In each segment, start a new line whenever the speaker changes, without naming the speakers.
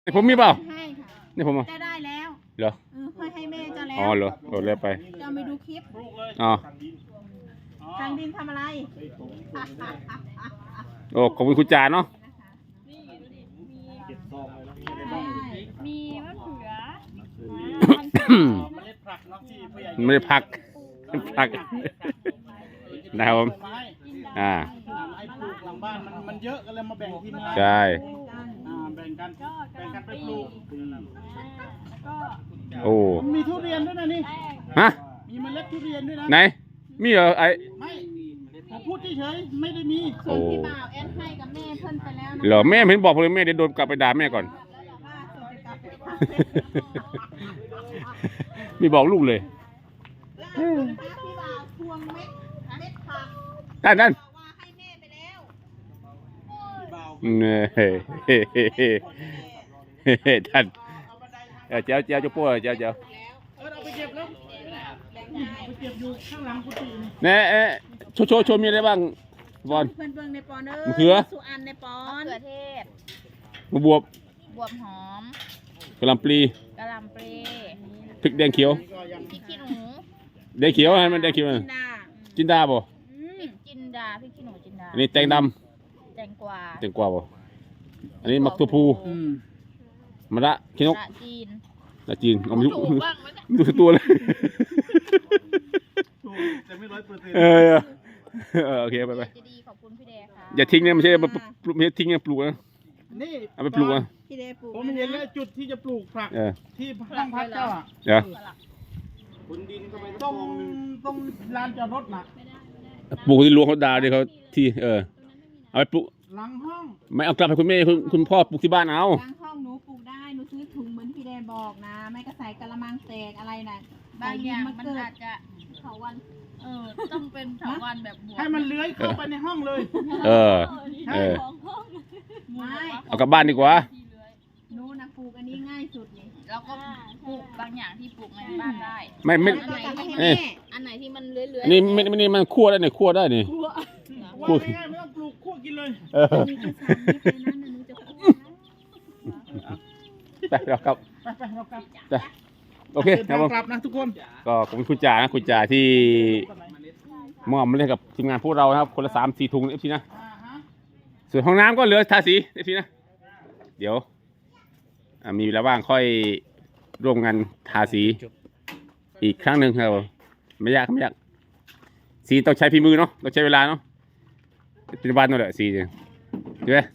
ผมมีเปล่า
ให้ค่ะ
นี่ผม
จะได้แล้ว
เหรอ
ค่อยให้แม่จะแล้ว
อ๋อเหรอโดดเลยไป
จะไปดูคลิป
อ๋อ
ทางดินทำอะไร
โอ้ขอบคุณคุณจ่าเนาะ
มีมะเขือ
ไม่ได้พักนะครับผม
ไอ้ปลูกหลังบ้านมันเยอะก็เลยมาแบ่งทีมงาน
ใช่
แบ่งกันไปปลูก
โอ้
มีทุเรียนด้วยนะนี่
ฮะ
มีเมล็ดทุเรียนด้วยนะ
ไหนมีเหรอไอ้
ไม่ผมพูดเฉยๆไม่ได้มี
ส่วนพี่บ่าวแอนให้กับแม่เพิ่นไปแล้วนะ
เหรอแม่เห็นบอกผมเลยแม่เดี๋ยวโดนกลับไปด่าแม่ก่อนมีบอกลูกเลย
พี่บ่าวทวงเม็ดผัก
นั่น
ว่าให้แม่ไปแล้ว
ท่านเจ้าจะป้วเจ้า
เอาไปเก็บแล้วไปเก็บอยู่ข้างหลังกุฏิ
นี่โชว์มีอะไรบ้างบอล
เบิ่งในปอน
มะเขือ
สุอันในปอนมะเขือเทศ
บว
บวบหอม
กะหล่ำปลีพริกแดงเขียว
พริกขี้หนู
แดงเขียวมันแดงเขียวจินดาบ่
จินดาพริกขี้หนูจินดา
อันนี้แตงด
ำแตงกวา
บ่อันนี้มักตัวพูมะระขี้นกจีนเอาไม่ดูตัวเลย
แต่ไม่
โอเคไป
จะดีขอบคุณพี่แดค่ะ
อย่าทิ้งนะไม่ใช่ทิ้งนะปลูกนะ
นี่
เอาไปปลูกนะ
พี่แดปลูก
ผมเห็นแล้วจุดที่จะปลูกผักที่ห้องพักเจ้าบนดินก็ไปต้องลานจอดรถนะ
ปลูกที่หลวงเขาด่าดิเขาที่เอาไปปลูก
หลังห้อง
ไม่เอากลับให้คุณแม่คุณพ่อปลูกที่บ้านเอา
หลังห้องหนูปลูกได้หนูซื้อถุงเหมือนพี่แดบอกนะไม่ก็ใส่กะละมังแตกอะไรน่ะบางอย่างมันอาจจะเถาวันต้องเป็นเถาวันแบบบวก
ให้มันเลื้อยเข้าไปในห้องเลย
ไม่
เอากลับบ้านดีกว่า
หนูนะปลูกอันนี้ง่ายสุดนี่แล้วก็ปลูกบางอย่างที่ปลูกในบ้านได้
ไม่
อันไหนที่มันเลื้อย
ๆนี่มันคั่วได้เนี่ยคั่วได้นี่
คั่วง่ายไม่ต้องปลูกคั่วกินเลย
ไปเรากลับโอเคครับผม
กลับนะทุกคน
ก็ขอบคุณคุณจ่านะคุณจ่าที่มอบมาเล่นกับทีมงานพวกเรานะครับคนละ3-4 ถุงเอฟซีนะส่วนห้องน้ำก็เหลือทาสีเอฟซีนะเดี๋ยวมีเวลาว่างค่อยร่วมกันทาสีอีกครั้งหนึ่งครับไม่ยากสีต้องใช้ฝีมือเนาะต้องใช้เวลาเนาะเป็นวันนั่นแหละสีเนี่ยใช่ไหม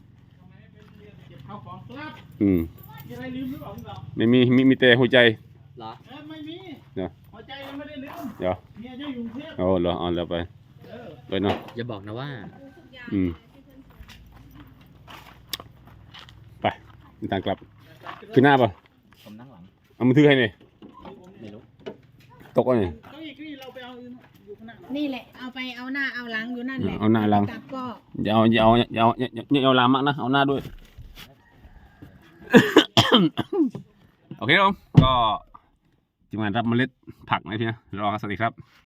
ไม่มีแต่หัวใจ
เหรอไม่มีหัวใจยังไม่ได้ลืม
เดี๋ยว
เมียจะอยู่เทพ
เหรอแล้วไปเนาะ
อย่าบอกนะว่า
ไปทางกลับขึ้นหน้าป่ะ
ผมนั่งหลัง
เอามือถือให้เนี่ย
ไม่รู้
ตกอ่ะเนี่ย
นี่แหละเอาไปเอาหน้าเอาหลังอยู่นั่นแหละ
เอาหน้าหลัง
ก็
อย่าเอาหลังมากนะเอาหน้าด้วยโอเคครับก็ทีมงานรับเมล็ดผักนะพี่นะรอครับสวัสดีครับ